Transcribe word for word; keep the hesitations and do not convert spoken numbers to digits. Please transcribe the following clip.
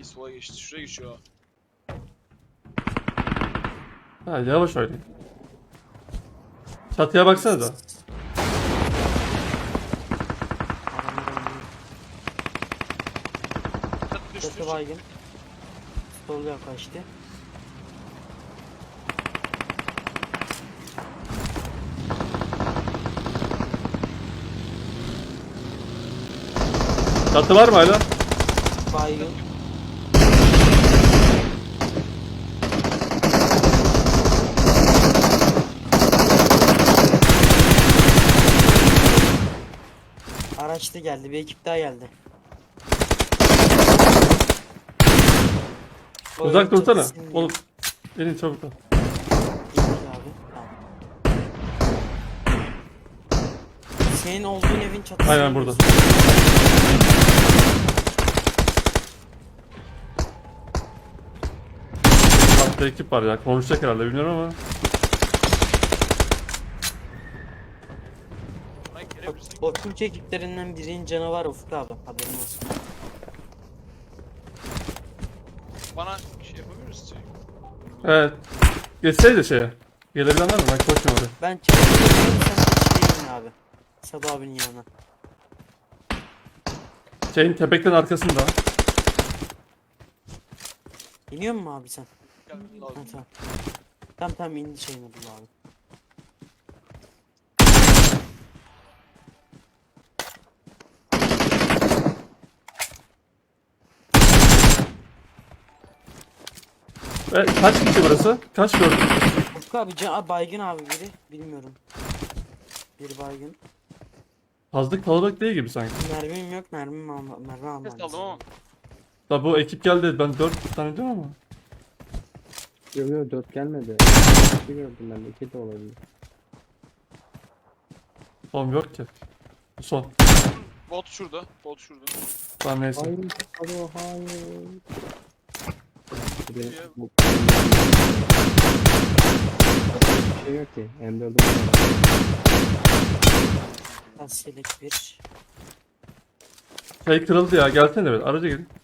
sola geçti. Şuraya geçiyor. Ha yavaş oynayın. Çatıya baksanıza. Adamlar oynuyor. Çat düştü. Çatı baygın. Sol yaklaştı. Çatı var mı hala? Baygın. Araçta geldi. Bir ekip daha geldi. O Uzak evin dursana. çatısını Oğlum. Elin çabuk ol. İyi abi. Tamam. Senin olduğun evin çatısı. Aynen burada. Hatta ekip var ya. Konuşacak herhalde bilmiyorum ama. Ay, Bak, gelebilirsin. o Türk ekiplerinden birinin canı var Ufuk abi. Haberin olsun. Bana şey yapabilir misin? Evet. Geçseydi şeye. Gelebilen var mı? Ben koşmuyorum oraya. Ben çalışıyorum. Sen geçeyim abi. Sadı abinin yanına. Şeyin tepekten arkasında. İniyor mu abi sen? Gelmem Ha, lazım. tamam. Tamam tamam indi şeyin Abdullah abi. Ve kaç kişi burası? Kaç gördün? Ufuk abi can Aa, baygın abi biri. Bilmiyorum. Bir baygın. Fazla kalabalık değil gibi sanki. Mermim yok mermim alma mermi almam. Ses aldım ama. Da bu ekip geldi. Ben dört tane diyorum ama. Yok yok dört gelmedi. iki gördüm ben de, iki de olabilir. Oğlum yok ki. Bu son. Bot şurada. Bot şurada. Tamam neyse. Hayır, hayır, hayır. Bir de bu- bir şey yok ki. M dört'üm Tasyelik bir. Şey kırıldı ya. Gelsene evet. Araca gelin.